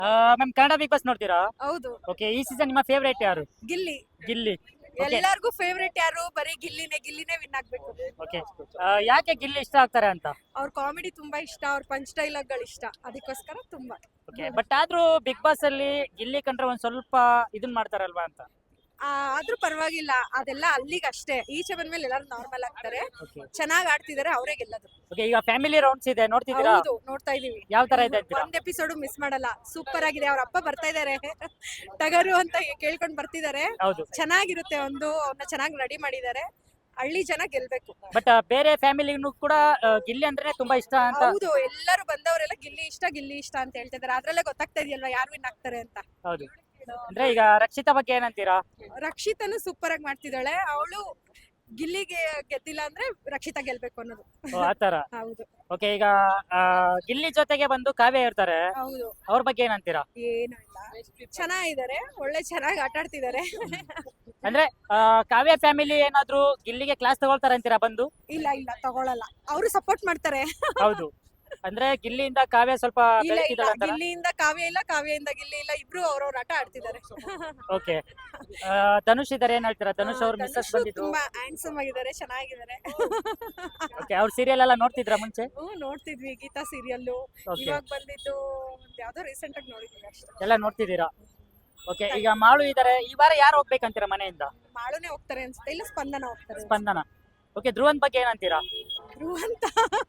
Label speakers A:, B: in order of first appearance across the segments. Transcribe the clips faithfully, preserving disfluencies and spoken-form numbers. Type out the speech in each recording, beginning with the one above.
A: Ma'am Kannada Bigg Boss ನೋಡ್ತೀರಾ?
B: ಹೌದು.
A: Okay, ಈ ಸೀಸನ್ ನಿಮ್ಮ ಫೇವರೇಟ್ ಯಾರು?
B: ಗಿಲ್ಲಿ.
A: ಗಿಲ್ಲಿ. ಓಕೆ.
B: ಎಲ್ಲರಿಗೂ ಫೇವ್ರೇಟ್ ಯಾರು? ಬರೀ ಗಿಲ್ಲಿನೇ ಗಿಲ್ಲಿನೇ ವಿನ್ ಆಗ್ಬೇಕು.
A: ಓಕೆ, ಯಾಕೆ ಗಿಲ್ಲಿ ಇಷ್ಟ ಆಗ್ತಾರೆ ಅಂತ?
B: ಅವ್ರ ಕಾಮಿಡಿ ತುಂಬಾ ಇಷ್ಟ, ಅವ್ರ ಪಂಚ್ ಡೈಲಾಗ್ ಗಳು ಇಷ್ಟ, ಅದಕ್ಕೋಸ್ಕರ ತುಂಬಾ.
A: ಓಕೆ, ಬಟ್ ಆದ್ರೂ ಬಿಗ್ ಬಾಸ್ ಅಲ್ಲಿ ಗಿಲ್ಲಿ ಕಂಡ್ರೆ ಒಂದ್ ಸ್ವಲ್ಪ ಇದನ್ ಮಾಡ್ತಾರಲ್ವಾ ಅಂತ.
B: ಆ, ಆದ್ರೂ ಪರವಾಗಿಲ್ಲ, ಅದೆಲ್ಲ ಅಲ್ಲಿಗೆ ಅಷ್ಟೇ. ಈಚೆ ಬಂದ್ಮೇಲೆ ಎಲ್ಲರೂ ನಾರ್ಮಲ್ ಆಗ್ತಾರೆ.
A: ಓಕೆ.
B: ಚೆನ್ನಾಗ್ ಆಡ್ತಿದಾರೆ, ಅವರೇ ಗೆಲ್ಲದು.
A: ಓಕೆ, ಈಗ ಫ್ಯಾಮಿಲಿ ರೌಂಡ್ಸ್ ಇದೆ, ನೋಡ್ತಿದ್ದೀರಾ?
B: ಹೌದು, ನೋಡ್ತಾ ಇದೀವಿ.
A: ಯಾವ ತರ ಇದೆ ಅಂತೀರಾ?
B: ಒಂದ್ ಎಪಿಸೋಡ್ ಮಿಸ್ ಮಾಡಲ್ಲ, ಸೂಪರ್ ಆಗಿದೆ. ಅವ್ರ ಅಪ್ಪ ಬರ್ತಾ ಇದಾರೆ ಟಗರು ಅಂತ ಕೇಳ್ಕೊಂಡ್ ಬರ್ತಿದಾರೆ.
A: ಹೌದು.
B: ಚೆನ್ನಾಗಿರುತ್ತೆ. ಒಂದು ಅವ್ರನ್ನ ಚೆನ್ನಾಗಿ ರೆಡಿ ಮಾಡಿದ್ದಾರೆ. ಹಳ್ಳಿ ಜನ ಗೆಲ್ಬೇಕು.
A: ಬಟ್ ಬೇರೆ ಫ್ಯಾಮಿಲಿನೂ ಕೂಡ ಆ, ಗಿಲ್ಲಿ ಅಂದ್ರೆ ತುಂಬಾ ಇಷ್ಟ ಅಂತ.
B: ಹೌದು, ಎಲ್ಲರೂ ಬಂದವರೆಲ್ಲ ಗಿಲ್ಲಿ ಇಷ್ಟ ಗಿಲ್ಲಿ ಇಷ್ಟ ಅಂತ ಹೇಳ್ತಿದಾರೆ. ಅದ್ರಲ್ಲೇ ಗೊತ್ತಾಗ್ತಾ ಇದೆಯಲ್ವಾ ಯಾರು ವಿನ್ ಆಗ್ತಾರೆ ಅಂತ.
A: ಹೌದು. ಅಂದ್ರೆ ಈಗ ರಕ್ಷಿತಾ ಬಗ್ಗೆ ಏನಂತೀರಾ?
B: ರಕ್ಷಿತನು ಸೂಪರ್ ಆಗಿ ಮಾಡ್ತಿದ್ದಾಳೆ. ಅವಳು ಗಿಲ್ಲಿಗೆ ಗೆದ್ದಿಲ್ಲ ಅಂದ್ರೆ ರಕ್ಷಿತಾ ಗೆಲ್ಬೇಕು ಅನ್ನೋದು.
A: ಓ, ಆತರ.
B: ಹೌದು.
A: ಓಕೆ, ಈಗ ಆ, ಗಿಲ್ಲಿ ಜೊತೆಗೆ ಬಂದು ಕಾವ್ಯ ಇರ್ತಾರೆ,
B: ಹೌದು.
A: ಅವ್ರ ಬಗ್ಗೆ ಏನಂತೀರಾ?
B: ಏನು ಇಲ್ಲ, ಚೆನ್ನಾಗಿದ್ದಾರೆ, ಒಳ್ಳೆ ಚೆನ್ನಾಗಿ ಆಟ ಆಡ್ತಿದ್ದಾರೆ.
A: ಅಂದ್ರೆ ಆ, ಕಾವ್ಯ ಫ್ಯಾಮಿಲಿ ಏನಾದ್ರು ಗಿಲ್ಲಿಗೆ ಕ್ಲಾಸ್ ತಗೊಳ್ತಾರೆ ಅಂತೀರಾ ಬಂದು?
B: ಇಲ್ಲ ಇಲ್ಲ, ತಗೊಳಲ್ಲ. ಅವರು ಸಪೋರ್ಟ್ ಮಾಡ್ತಾರೆ.
A: ಹೌದು. ಅಂದ್ರೆ ಗಿಲ್ಲಿಯಿಂದ ಕಾವ್ಯ ಸ್ವಲ್ಪ
B: ಇಲ್ಲ ಇಲ್ಲ,
A: ಬೆಳಕಿದಾಳೆ ಅಂತಾರ.
B: ಗಿಲ್ಲಿಯಿಂದ ಕಾವ್ಯ ಇಲ್ಲ, ಕಾವ್ಯದಿಂದ ಗಿಲ್ಲಿ ಇಲ್ಲ, ಇಬ್ರು ಅವ್ರವ್ರ ಆಟ ಆಡ್ತಿದ್ದಾರೆ.
A: ಓಕೆ, ಧನುಷ್ ಇದಾರೆ, ಏನ್ ಹೇಳ್ತೀರಾ? ಧನುಷ್ ಅವ್ರ ಮಿಸ್ಸಸ್
B: ಧನುಷ್
A: ಬಂದಿದ್ರು.
B: ತುಂಬಾ ಹ್ಯಾಂಡ್ಸಮ್ ಆಗಿದ್ದಾರೆ, ಚೆನ್ನಾಗಿದ್ದಾರೆ.
A: ಓಕೆ, ಅವ್ರ ಸೀರಿಯಲ್ ಎಲ್ಲ ನೋಡ್ತಿದ್ರ ಮುಂಚೆ?
B: ಹ್ಮ್, ನೋಡ್ತಿದ್ವಿ ಗೀತಾ ಸೀರಿಯಲ್ಲು.
A: ಓಕೆ,
B: ಇವಾಗ ಬಂದಿದ್ದು ಒಂದ್ ಯಾವ್ದೋ ರೀಸೆಂಟ್ ಆಗಿ ನೋಡಿದ್ವಿ ಅಷ್ಟೇ.
A: ಎಲ್ಲ ನೋಡ್ತಿದ್ದೀರಾ? ಓಕೆ, ಈಗ ಮಾಳು ಇದಾರೆ, ಈ ವಾರ ಯಾರು ಹೋಗ್ಬೇಕಂತೀರಾ ಮನೆಯಿಂದ?
B: ಮಾಳುನೇ ಹೋಗ್ತಾರೆ ಅನ್ಸುತ್ತೆ, ಇಲ್ಲ ಸ್ಪಂದನ ಹೋಗ್ತಾರೆ.
A: ಸ್ಪಂದನ. ಓಕೆ, ಧ್ರುವನ್ ಬಗ್ಗೆ ಏನಂತೀರಾ?
B: ಧ್ರುವಂತ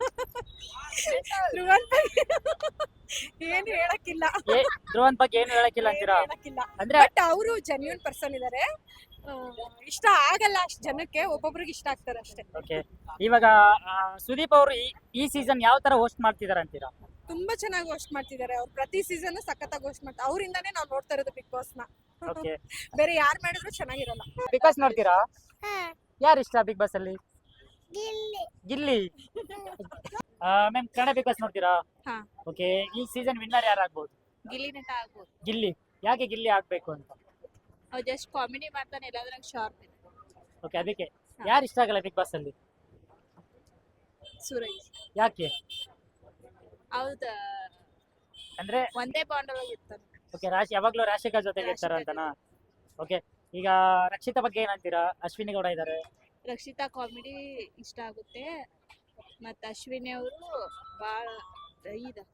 B: ಧ್ರುವಂತ ಏನ್ ಹೇಳಕ್ಕಿಲ್ಲ.
A: ಏ, ಧ್ರುವನ್ ಬಗ್ಗೆ ಏನು ಹೇಳಕ್ಕಿಲ್ಲ ಅಂತೀರಾ?
B: ಏನ್ ಹೇಳಕ್ಕಿಲ್ಲ.
A: ಅಂದ್ರೆ
B: ಬಟ್ ಅವರು ಜೆನ್ಯೂನ್ ಪರ್ಸನ್ ಇದಾರೆ. ಆ, ಇಷ್ಟ ಆಗಲ್ಲ ಅಷ್ಟ್ ಜನಕ್ಕೆ, ಒಬ್ಬೊಬ್ರಿಗೆ ಇಷ್ಟ ಆಗ್ತಾರೆ ಅಷ್ಟೇ.
A: ಓಕೆ, ಇವಾಗ ಆ, ಸುದೀಪ್ ಅವರು ಈ- ಈ ಸೀಸನ್ ಯಾವ ತರ ಹೋಸ್ಟ್ ಮಾಡ್ತಿದಾರೆ ಅಂತೀರಾ?
B: ತುಂಬಾ ಚೆನ್ನಾಗಿ ಹೋಸ್ಟ್ ಮಾಡ್ತಿದ್ದಾರೆ. ಅವ್ರು ಪ್ರತಿ ಸೀಸನ್ ಸಖತ್ತಾಗಿ ಹೋಸ್ಟ್ ಮಾಡ್ತಾರೆ. ಅವರಿಂದಾನೇ ನಾವು ನೋಡ್ತಾ ಇರೋದು ಬಿಗ್ ಬಾಸ್ ನ.
A: ಓಕೆ,
B: ಬೇರೆ ಯಾರು ಮಾಡಿದ್ರು ಚೆನ್ನಾಗಿರಲ್ಲ.
A: ಬಿಗ್ ಬಾಸ್ ನೋಡ್ತೀರಾ? ಯಾರು ಇಷ್ಟ ಬಿಗ್ ಬಾಸ್ ಅಲ್ಲಿ? Gilli. Ma'am Kannada Bigg Boss ನೋಡ್ತೀರಾ?
B: ಹಾ.
A: ಓಕೆ, ಈ ಸೀಸನ್ ವಿನ್ನರ್ ಯಾರಾಗ್ಬೋದು?
B: ಗಿಲ್ಲಿ ನಟ ಆಗ್ಬೋದು.
A: ಗಿಲ್ಲಿ. ಯಾಕೆ ಗಿಲ್ಲಿ ಆಗ್ಬೇಕು ಅಂತ?
B: ಅವ್ರು ಜಸ್ಟ್ ಕಾಮಿಡಿ ಮಾಡ್ತಾನೆ, ಎಲ್ಲಾದ್ರಾಗ ಶಾರ್ಪ್ ಇದೆ.
A: ಓಕೆ, ಅದಕ್ಕೆ ಯಾರು ಇಷ್ಟ ಆಗಲ್ಲ ಬಿಗ್ ಬಾಸ್ ಅಲ್ಲಿ?
B: ಸುರೇಶ್.
A: ಯಾಕೆ?
B: ಹೌದ,
A: ಅಂದ್ರೆ
B: ಒಂದೇ ಬಾಂಡ್ ಒಳಗೆ ಇರ್ತಾನೆ.
A: ಓಕೆ, ರಾಶಿ ಯಾವಾಗ್ಲೂ ರಾಶಿಕಾ ಜೊತೆಗೆ ಇರ್ತಾರ ಅಂತನಾ? ಓಕೆ, ಈಗ ರಕ್ಷಿತಾ ಬಗ್ಗೆ ಏನಂತೀರಾ? ಅಶ್ವಿನಿ ಗೌಡ ಇದಾರೆ.
B: ರಕ್ಷಿತಾ ಕಾಮಿಡಿ ಇಷ್ಟ ಆಗುತ್ತೆ. ಮತ್ತು ಅಶ್ವಿನಿ ಅವರು ಭಾಳ ಇದು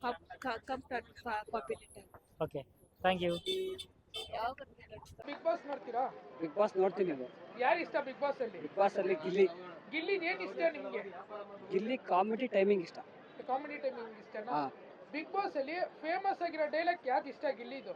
B: ಕಾಂಪಿಟೇಟಿವ್.
A: Okay, thank you.
B: ಯಾವಾಗ
C: ಬಿಗ್ ಬಾಸ್ ನೋಡ್ತೀರಾ?
D: ಬಿಗ್ ಬಾಸ್ ನೋಡ್ತೀನಿ.
C: ಯಾರು ಇಷ್ಟ ಬಿಗ್ ಬಾಸ್ ಅಲ್ಲಿ?
D: ಬಿಗ್ ಬಾಸ್ ಅಲ್ಲಿ ಗಿಲ್ಲಿ.
C: ಗಿಲ್ಲಿ ಏನ್ ಇಷ್ಟ ನಿಮ್ಗೆ?
D: ಗಿಲ್ಲಿ ಕಾಮಿಡಿ ಟೈಮಿಂಗ್ ಇಷ್ಟ.
C: ಕಾಮಿಡಿ ಟೈಮಿಂಗ್ ಇಷ್ಟನಾ?
D: ಹಾ.
C: ಬಿಗ್ ಬಾಸ್ ಅಲ್ಲಿ ಫೇಮಸ್ ಆಗಿರೋ ಡೈಲಾಗ್ ಯಾವ್ದು ಇಷ್ಟ ಗಿಲ್ಲಿದು?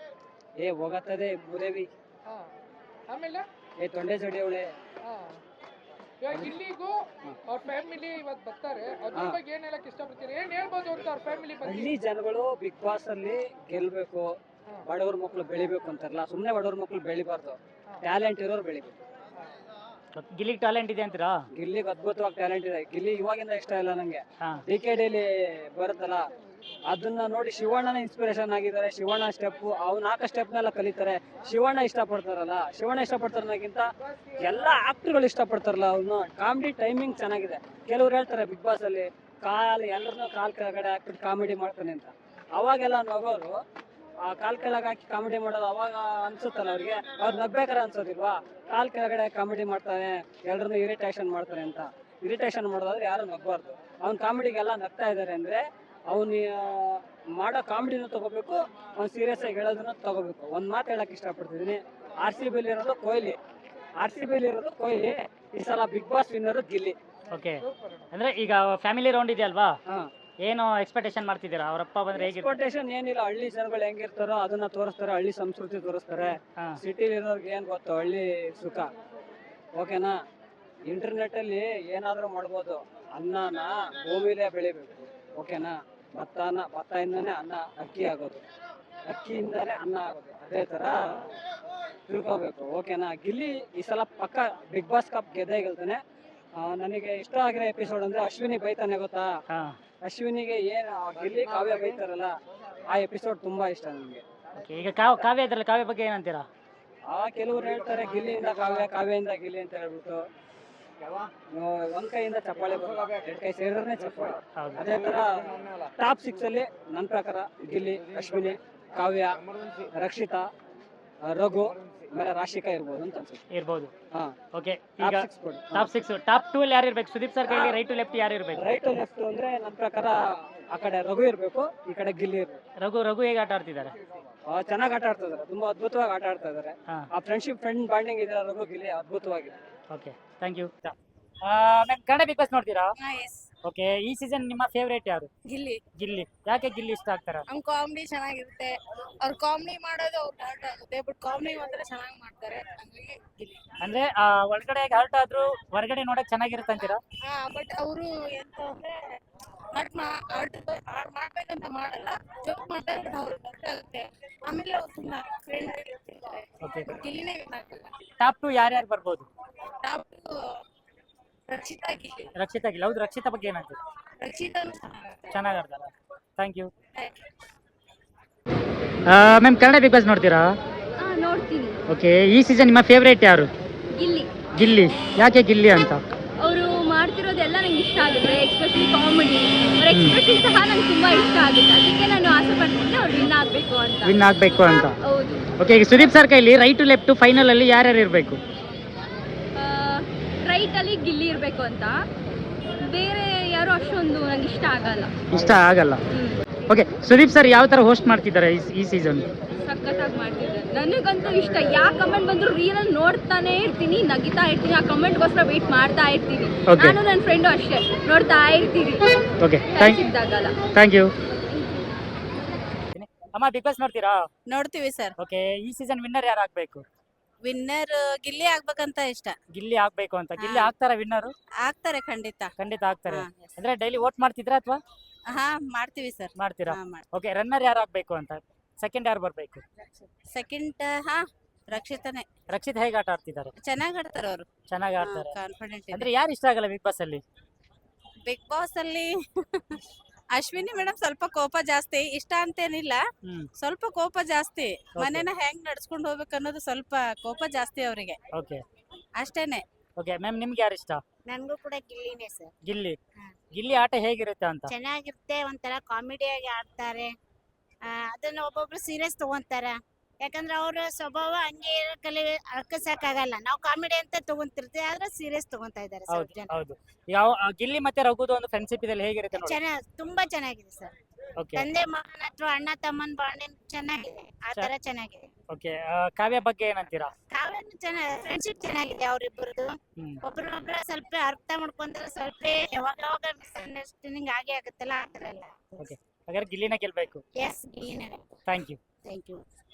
D: ಏ ಹೋಗತ್ತದೆ ಮೂದೇವಿ,
C: ಹಾ. ಆಮೇಲೆ
D: ಏ ತೊಂಡೆ ಜಡಿಯವಳೆ.
C: ಹಾ. ಇವಾಗ ಗಿಲ್ಲಿಗೂ ಅವ್ರ ಫ್ಯಾಮಿಲಿ ಇವತ್ತು ಬರ್ತಾರೆ, ಅದ್ರ
D: ಹಾ.
C: ಬಗ್ಗೆ ಏನ್ ಹೇಳಕ್ ಇಷ್ಟಪಡ್ತೀರಿ? ಏನ್ ಹೇಳ್ಬೋದು ಅಂತ ಅವ್ರ ಫ್ಯಾಮಿಲಿ ಬಗ್ಗೆ?
D: ಹಳ್ಳಿ ಜನಗಳು ಬಿಗ್ ಬಾಸ್ ಅಲ್ಲಿ ಗೆಲ್ಬೇಕು,
C: ಹಾ.
D: ಬಡವ್ರ ಮಕ್ಳು ಬೆಳಿಬೇಕು ಅಂತಾರಲ್ಲ, ಸುಮ್ನೆ ಬಡವ್ರ ಮಕ್ಳು ಬೆಳಿಬಾರ್ದು, ಟ್ಯಾಲೆಂಟ್ ಇರೋರು ಬೆಳಿಬೇಕು.
A: ಗಿಲ್ಲಿಗೆ ಟ್ಯಾಲೆಂಟ್ ಇದೆ ಅಂತೀರಾ?
D: ಗಿಲ್ಲಿಗೆ ಅದ್ಭುತವಾಗಿ ಟ್ಯಾಲೆಂಟ್ ಇದೆ. ಗಿಲ್ಲಿ ಇವಾಗಿಂದ ಇಷ್ಟ ಇಲ್ಲ ನಂಗೆ.
A: ಹಾ.
D: ಡಿ ಕೆ ಡಿಲಿ ಬರುತ್ತಲ್ಲ, ಅದನ್ನ ನೋಡಿ ಶಿವಣ್ಣನ ಇನ್ಸ್ಪಿರೇಷನ್ ಆಗಿದ್ದಾರೆ. ಶಿವಣ್ಣ ಸ್ಟೆಪ್, ಅವ್ನ ಹಾಕೋ ಸ್ಟೆಪ್ನೆಲ್ಲ ಕಲಿತಾರೆ. ಶಿವಣ್ಣ ಇಷ್ಟಪಡ್ತಾರಲ್ಲ, ಶಿವಣ್ಣ ಇಷ್ಟಪಡ್ತಾರನ್ನಕ್ಕಿಂತ ಎಲ್ಲ ಆಕ್ಟರ್ಗಳು ಇಷ್ಟಪಡ್ತಾರಲ್ಲ, ಅವ್ನು ಕಾಮಿಡಿ ಟೈಮಿಂಗ್ ಚೆನ್ನಾಗಿದೆ. ಕೆಲವ್ರು ಹೇಳ್ತಾರೆ ಬಿಗ್ ಬಾಸ್ ಅಲ್ಲಿ ಕಾಲ್ ಎಲ್ಲರನ್ನೂ ಕಾಲ್ ಕೆಳಗಡೆ ಹಾಕ್ಬಿಟ್ಟು ಕಾಮಿಡಿ ಮಾಡ್ತಾನೆ ಅಂತ. ಅವಾಗೆಲ್ಲ ನಗೋರು ಆ ಕಾಲ್ ಕೆಳಗೆ ಹಾಕಿ ಕಾಮಿಡಿ ಮಾಡೋದು ಅವಾಗ ಅನ್ಸುತ್ತಲ್ಲ ಅವ್ರಿಗೆ, ಅವ್ರು ನಗ್ಬೇಕಾರೆ ಅನ್ಸೋದಿಲ್ವಾ? ಕಾಲ್ ಕೆಳಗಡೆ ಕಾಮಿಡಿ ಮಾಡ್ತಾನೆ, ಎಲ್ಲರನ್ನೂ ಇರಿಟೇಷನ್ ಮಾಡ್ತಾನೆ ಅಂತ. ಇರಿಟೇಷನ್ ಮಾಡೋದಾದ್ರೆ ಯಾರು ನಗ್ಬಾರ್ದು. ಅವ್ನ ಕಾಮಿಡಿಗೆಲ್ಲ ನಗ್ತಾ ಇದ್ದಾರೆ ಅಂದ್ರೆ ಅವನು ಮಾಡೋ ಕಾಮಿಡಿನೂ ತಗೋಬೇಕು, ಅವ್ನು ಸೀರಿಯಸ್ ಆಗಿ ಹೇಳೋದನ್ನ ತಗೋಬೇಕು. ಒಂದ್ ಮಾತು ಹೇಳಕ್ ಇಷ್ಟಪಡ್ತಿದ್ದೀನಿ, ಆರ್ ಸಿ ಬಿಲಿ ಇರೋದು ಕೊಹ್ಲಿ, ಆರ್ ಸಿ ಬಿಲಿ ಇರೋದು ಕೊಹ್ಲಿ. ಈ ಸಲ Bigg Boss winner Gilli.
A: Okay, ಅಂದ್ರೆ ಈಗ ಫ್ಯಾಮಿಲಿ ರೌಂಡ್ ಇದೆ ಅಲ್ವಾ,
D: ಹಾ.
A: ಏನು ಎಕ್ಸ್ಪೆಕ್ಟೇಷನ್ ಮಾಡ್ತಿದ್ದೀರಾ? ಅವರಪ್ಪ ಬಂದ್ರೆ ಹೇಗಿರ್ತಾರೆ?
D: ಎಕ್ಸ್ಪೆಕ್ಟೇಷನ್ ಏನಿಲ್ಲ, ಹಳ್ಳಿ ಜನಗಳು ಹೆಂಗಿರ್ತಾರೋ ಅದನ್ನ ತೋರಿಸ್ತಾರೆ, ಹಳ್ಳಿ ಸಂಸ್ಕೃತಿ ತೋರಿಸ್ತಾರೆ.
A: ಹಾ.
D: ಸಿಟಿಲಿ ಇರೋರ್ಗೆ ಏನ್ ಗೊತ್ತು ಹಳ್ಳಿ ಸುಖ, ಓಕೆನಾ? ಇಂಟರ್ನೆಟ್ ಅಲ್ಲಿ ಏನಾದ್ರೂ ಮಾಡ್ಬೋದು. ಅನ್ನನ ಭೂಮಿಲೇ ಬೆಳಿಬೇಕು, ಓಕೆನಾ? ಭತ್ತನ ಭತ್ತದಿಂದನೇ ಅನ್ನ ಅಕ್ಕಿ ಆಗೋದು, ಅಕ್ಕಿಯಿಂದನೇ ಅನ್ನ ಆಗೋದು. ಅದೇ ತರ ತಿಳ್ಕೋಬೇಕು, ಓಕೆನಾ? ಗಿಲ್ಲಿ ಈ ಸಲ ಪಕ್ಕ ಬಿಗ್ ಬಾಸ್ ಕಪ್ ಗೆದ್ದೇ ಗೆಲ್ತಾನೆ. ಆ, ನನಗೆ ಇಷ್ಟ ಆಗಿರೋ ಎಪಿಸೋಡ್ ಅಂದ್ರೆ ಅಶ್ವಿನಿ ಬೈತಾನೆ, ಗೊತ್ತಾ?
A: ಹಾ.
D: ಅಶ್ವಿನಿಗೆ ಏನ್ ಆ ಗಿಲ್ಲಿ ಕಾವ್ಯ ಬೈತಾರಲ್ಲ, ಆ ಎಪಿಸೋಡ್ ತುಂಬಾ ಇಷ್ಟ ನನಗೆ.
A: ಓಕೆ, ಈಗ ಕಾವ್ ಕಾವ್ಯ ಇದ್ರಲ್ಲ, ಕಾವ್ಯ ಬಗ್ಗೆ ಏನಂತೀರಾ?
D: ಆ ಕೆಲವ್ರು ಹೇಳ್ತಾರೆ ಗಿಲ್ಲಿಯಿಂದ ಕಾವ್ಯ, ಕಾವ್ಯದಿಂದ ಗಿಲ್ಲಿ ಅಂತ ಹೇಳ್ಬಿಟ್ಟು. ಒಂದ್ ಕೈಯಿಂದ ಚಪ್ಪಾಳೆ ಬರಲ್ಲ, ಎರಡ್ ಕೈ ಸೇರಿದ್ರೆ ಚಪ್ಪಾಳೆ.
A: ಹೌದು.
D: ಅದೇ ತರ ಟಾಪ್ ಸಿಕ್ಸ್ ಅಲ್ಲಿ ನನ್ನ ಪ್ರಕಾರ ಗಿಲ್ಲಿ, ಅಶ್ವಿನಿ, ಕಾವ್ಯ, ರಕ್ಷಿತಾ, ಆ, ರಘು ಆಮೇಲೆ ರಾಶಿಕಾ ಇರ್ಬೋದು ಅಂತ ಅನ್ಸುತ್ತೆ.
A: ಇರ್ಬೋದು.
D: ಹಾ
A: ಓಕೆ,
D: Top
A: ಈಗ
D: six ಕೊಡಿ.
A: ಟಾಪ್ ಸಿಕ್ಸ್ ಟಾಪ್ ಟೂ ಅಲ್ಲಿ ಯಾರು ಇರ್ಬೇಕು? ಸುದೀಪ್ ಸರ್ ಕೈಲಿ ರೈಟ್ ಟು ಲೆಫ್ಟ್ ಯಾರು ಇರ್ಬೇಕು?
D: ರೈಟ್ ಲೆಫ್ಟ್ ಅಂದ್ರೆ ನನ್ನ ಪ್ರಕಾರ ಆ ಕಡೆ ರಘು ಇರ್ಬೇಕು, ಈ ಕಡೆ ಗಿಲ್ಲಿ ಇರ್ಬೇಕು.
A: ರಘು ರಘು ಹೇಗೆ ಆಟ ಆಡ್ತಿದ್ದಾರೆ?
D: ಚೆನ್ನಾಗಿ ಆಟ ಆಡ್ತಾ ಇದಾರೆ, ತುಂಬಾ ಅದ್ಭುತವಾಗಿ ಆಟ ಆಡ್ತಾ ಇದಾರೆ.
A: ಹಾ,
D: ಆ ಫ್ರೆಂಡ್ಶಿಪ್ ಫ್ರೆಂಡ್ ಬಾಂಡಿಂಗ್ ಇದೆ ರಘು ಗಿಲ್ಲಿ, ಅದ್ಭುತವಾಗಿದೆ.
A: Okay, thank you. Ma'am, Kannada Bigg Boss ನೋಡ್ತೀರಾ?
B: ಎಸ್
A: ಓಕೆ, ಈ ಸೀಸನ್ ನಿಮ್ಮ ಫೇವರೇಟ್ ಯಾರು?
B: ಗಿಲ್ಲಿ
A: ಗಿಲ್ಲಿ. ಯಾಕೆ ಗಿಲ್ಲಿ ಇಷ್ಟ ಆಗ್ತಾರ?
B: ಅವ್ನ ಕಾಮಿಡಿ ಚೆನ್ನಾಗಿರುತ್ತೆ. ಅವ್ರು ಕಾಮಿಡಿ ಮಾಡೋದು ಅವ್ರು ಹರ್ಟ್ ಆಗುತ್ತೆ, ಬಟ್ ಕಾಮಿಡಿ ಮಾತ್ರ ಚೆನ್ನಾಗಿ ಮಾಡ್ತಾರೆ. ಹಂಗಾಗಿ ಗಿಲ್ಲಿ.
A: ಅಂದ್ರೆ ಆ, ಒಳಗಡೆ ಹರ್ಟ್ ಆದ್ರೂ ಹೊರಗಡೆ ನೋಡಕ್ ಚೆನ್ನಾಗಿರುತ್ತೆ ಅಂತೀರಾ?
B: ಹಾ, ಬಟ್ ಅವರು ಎಂತ ಅಂದ್ರೆ ಹರ್ಟ್ ಹರ್ಟ್ ಮಾಡ್ಬೇಕಂತ ಮಾಡಲ್ಲ, ಜೋಕ್ ಮಾಡ್ತಾರೆ, ಬಟ್ ಅವ್ರಿಗೆ ಹರ್ಟ್ ಆಗುತ್ತೆ. ಆಮೇಲೆ ಅವ್ರು ತುಂಬಾ ಫ್ರೆಂಡ್ ಆಗಿರ್ತಾರೆ.
A: ಓಕೆ,
B: ಗಿಲ್ಲಿನೇ ಏನಾಗಲ್ಲ.
A: ಟಾಪ್ ಟು ಯಾರ್ಯಾರು ಬರ್ಬೋದು?
B: ಟಾಪ್ ರಕ್ಷಿತಾ ಗಿಲ್ಲಿ.
A: ರಕ್ಷಿತಾ ಗಿಲ್ಲಿ. ಹೌದು, ರಕ್ಷಿತಾ ಬಗ್ಗೆ ಏನಂತೀರಿ?
B: ರಕ್ಷಿತಾನು ಚೆನ್ನಾಗಿ
A: ಚೆನ್ನಾಗಿ ಆಡ್ತಾರ. Thank you. Ma'am, Kannada Bigg Boss ನೋಡ್ತೀರಾ?
E: ಹಾ ನೋಡ್ತೀನಿ.
A: ಓಕೆ, ಈ ಸೀಸನ್ ನಿಮ್ಮ ಫೇವರೇಟ್ ಯಾರು?
E: ಗಿಲ್ಲಿ.
A: ಗಿಲ್ಲಿ. ಯಾಕೆ ಗಿಲ್ಲಿ ಅಂತ?
E: ಅವರು ಮಾಡ್ತಿರೋದೆಲ್ಲ ನಂಗೆ ಇಷ್ಟ ಆಗುತ್ತೆ, ಎಕ್ಸ್ಪೆಷಲಿ ಕಾಮಿಡಿ. ಅವ್ರ ಎಕ್ಸ್ಪ್ರೆಷನ್ ಸಹ ನಂಗೆ ತುಂಬಾ ಇಷ್ಟ ಆಗುತ್ತೆ. ಅದಕ್ಕೆ ನಾನು ಆಸೆ ಪಡ್ತಿದ್ದೆ ಅವ್ರು ವಿನ್ ಆಗಬೇಕು ಅಂತ.
A: ವಿನ್ ಆಗ್ಬೇಕು ಅಂತ.
E: ಹೌದು.
A: ಓಕೆ, ಈಗ ಸುದೀಪ್ ಸರ್ ಕೈಲಿ ರೈಟ್ ಟು ಲೆಫ್ಟ್ ಫೈನಲ್ ಅಲ್ಲಿ ಯಾರ್ಯಾರು ಇರಬೇಕು?
E: ರೈಟ್ ಅಲ್ಲಿ ಗಿಲ್ಲಿ ಇರಬೇಕು ಅಂತ. ಬೇರೆ ಯಾರು ಅಷ್ಟೊಂದು ನಂಗೆ ಇಷ್ಟ ಆಗಲ್ಲ.
A: ಇಷ್ಟ ಆಗಲ್ಲ.
E: ಹ್ಮ್.
A: ಓಕೆ, ಸುದೀಪ್ ಸರ್ ಯಾವ ತರ ಹೋಸ್ಟ್ ಮಾಡ್ತಿದ್ದಾರೆ ಈ- ಈ ಸೀಸನ್?
E: ಸಖತ್ತಾಗಿ ಮಾಡ್ತಿದ್ದಾರೆ. ನನಗಂತೂ ಇಷ್ಟ. ಯಾವ ಕಮೆಂಟ್ ಬಂದ್ರು ರೀಲಲ್ಲಿ ನೋಡ್ತಾನೆ ಇರ್ತೀನಿ, ನಗಿತಾ ಇರ್ತೀನಿ. ಆ ಕಮೆಂಟ್ಗೋಸ್ಕರ ವೇಟ್ ಮಾಡ್ತಾ ಇರ್ತೀನಿ.
A: Okay.
E: ನಾನು ನನ್ನ ಫ್ರೆಂಡು ಅಷ್ಟೇ ನೋಡ್ತಾ ಇರ್ತೀವಿ.
A: ಓಕೆ,
E: ಟೈಮ್
A: ಥ್ಯಾಂಕ್
E: ಸಿಕ್ದಾಗಲ್ಲ.
A: Thank you. ಅಮ್ಮ, ಬಿಗ್ ಬಾಸ್ ನೋಡ್ತೀರಾ?
B: ನೋಡ್ತೀವಿ ಸರ್.
A: ಓಕೆ, ಈ ಸೀಸನ್ ವಿನ್ನರ್ ಯಾರು ಆಗ್ಬೇಕು?
B: ವಿನ್ನರ್ ಗಿಲ್ಲಿ ಆಗ್ಬೇಕಂತ ಇಷ್ಟ.
A: ಗಿಲ್ಲಿ ಆಗ್ಬೇಕು ಅಂತ. ಗಿಲ್ಲಿ
B: ಹಾ.
A: ಆಗ್ತಾರ ವಿನ್ನರ್?
B: ಆಗ್ತಾರೆ ಖಂಡಿತ.
A: ಖಂಡಿತ ಆಗ್ತಾರೆ.
B: ಹಾ, yes.
A: ಅಂದ್ರೆ ಡೈಲಿ ವೋಟ್ ಮಾಡ್ತಿದ್ರಾ ಅಥವಾ
B: ಹಾ ಮಾಡ್ತೀವಿ ಸರ್.
A: ಮಾಡ್ತೀರಾ? ಓಕೆ, ರನ್ನರ್ ಯಾರು ಆಗ್ಬೇಕು ಅಂತ? ಸೆಕೆಂಡ್ ಯಾರು ಬರ್ಬೇಕು?
B: ಸೆಕೆಂಡ್ ಹಾ ರಕ್ಷಿತಾನೆ.
A: ರಕ್ಷಿತ್ ಹೇಗೆ ಆಟ ಆಡ್ತಿದ್ದಾರೆ?
B: ಚೆನ್ನಾಗ್ ಆಡ್ತಾರ ಅವರು.
A: ಚೆನ್ನಾಗಿ ಆಡ್ತಾರೆ.
B: ಕಾನ್ಫಿಡೆಂಟ್
A: ಅಂದ್ರೆ ಯಾರು ಇಷ್ಟ ಆಗಲ್ಲ ಬಿಗ್ ಬಾಸ್ ಅಲ್ಲಿ?
B: ಬಿಗ್ ಬಾಸ್ ಅಲ್ಲಿ ಅಶ್ವಿನಿ ಮೇಡಮ್ ಸ್ವಲ್ಪ ಕೋಪ ಜಾಸ್ತಿ. ಇಷ್ಟ ಅಂತೇನಿಲ್ಲ,
A: ಹ್ಮ್,
B: ಸ್ವಲ್ಪ ಕೋಪ ಜಾಸ್ತಿ. ಮನೇನ ಹೆಂಗ್ ನಡ್ಸ್ಕೊಂಡ್ ಹೋಗ್ಬೇಕು ಅನ್ನೋದು ಸ್ವಲ್ಪ ಕೋಪ ಜಾಸ್ತಿ ಅವರಿಗೆ,
A: ಓಕೆ
B: ಅಷ್ಟೇನೆ.
A: ಓಕೆ ಮ್ಯಾಮ್, ನಿಮ್ಗೆ ಯಾರು ಇಷ್ಟ?
F: ನನ್ಗೂ ಕೂಡ ಗಿಲ್ಲಿನೇ ಸರ್.
A: ಗಿಲ್ಲಿ.
F: ಹಾ.
A: ಗಿಲ್ಲಿ ಆಟ ಹೇಗಿರುತ್ತೆ ಅಂತ?
F: ಚೆನ್ನಾಗಿರುತ್ತೆ, ಒಂಥರ ಕಾಮಿಡಿಯಾಗಿ ಆಡ್ತಾರೆ. ಆ, ಅದನ್ನ ಒಬ್ಬೊಬ್ರು ಸೀರಿಯಸ್ ತಗೊಂತಾರ. ಯಾಕಂದ್ರೆ ಅವ್ರ ಸ್ವಭಾವ ಹಂಗೆ ಕಲಿ ಅರ್ಕಸಕ್ಕಾಗಲ್ಲ. ನಾವು ಕಾಮಿಡಿ ಅಂತ ತಗೊಂತಿರ್ತೀವಿ, ಆದ್ರೆ ಸೀರಿಯಸ್ ತಗೊಂತಾ ಇದಾರೆ ಸ್ವಲ್ಪ
A: ಹೌದು
F: ಜನ.
A: ಹೌದು. ಯಾವ ಆ, ಗಿಲ್ಲಿ ಮತ್ತೆ ರಘುದು ಒಂದು ಫ್ರೆಂಡ್ಶಿಪ್ ಇದೆ, ಹೇಗಿರುತ್ತೆ ನೋಡಿ?
F: ಚೆನ್ನಾಗ್ ತುಂಬಾ ಚೆನ್ನಾಗಿದೆ ಸರ್.
A: ಓಕೆ
F: ತಂದೆ ಮಗನ ಹತ್ರ ಅಣ್ಣ ತಮ್ಮನ್ ಬಾಂಡಿಂಗ್ ಚೆನ್ನಾಗಿದೆ, ಆ ತರ ಚೆನ್ನಾಗಿದೆ.
A: ಓಕೆ, ಕಾವ್ಯ ಬಗ್ಗೆ ಏನಂತೀರಾ?
F: ಕಾವ್ಯನು ಚೆನ್ನಾಗಿ ಫ್ರೆಂಡ್ಶಿಪ್ ಚೆನ್ನಾಗಿದೆ ಅವ್ರಿಬ್ಬರದು.
A: ಹ್ಮ್,
F: ಒಬ್ರೊಬ್ರ ಸ್ವಲ್ಪ ಅರ್ಥ ಮಾಡ್ಕೊಂಡ್ರೆ ಸ್ವಲ್ಪ ಯಾವಾಗ ಯಾವಾಗ ಮಿಸ್ಅಂಡರ್ಸ್ಟ್ಯಾಂಡಿಂಗ್ ಆಗೇ ಆಗುತ್ತಲ್ಲ, ಆ ತರ ಎಲ್ಲ.
A: ಓಕೆ, ಹಾಗಾದ್ರೆ ಗಿಲ್ಲಿನ ಗೆಲ್ಬೇಕು.
F: ಎಸ್ ಗಿಲ್ಲಿನೇ.
A: Thank you.
F: Thank you.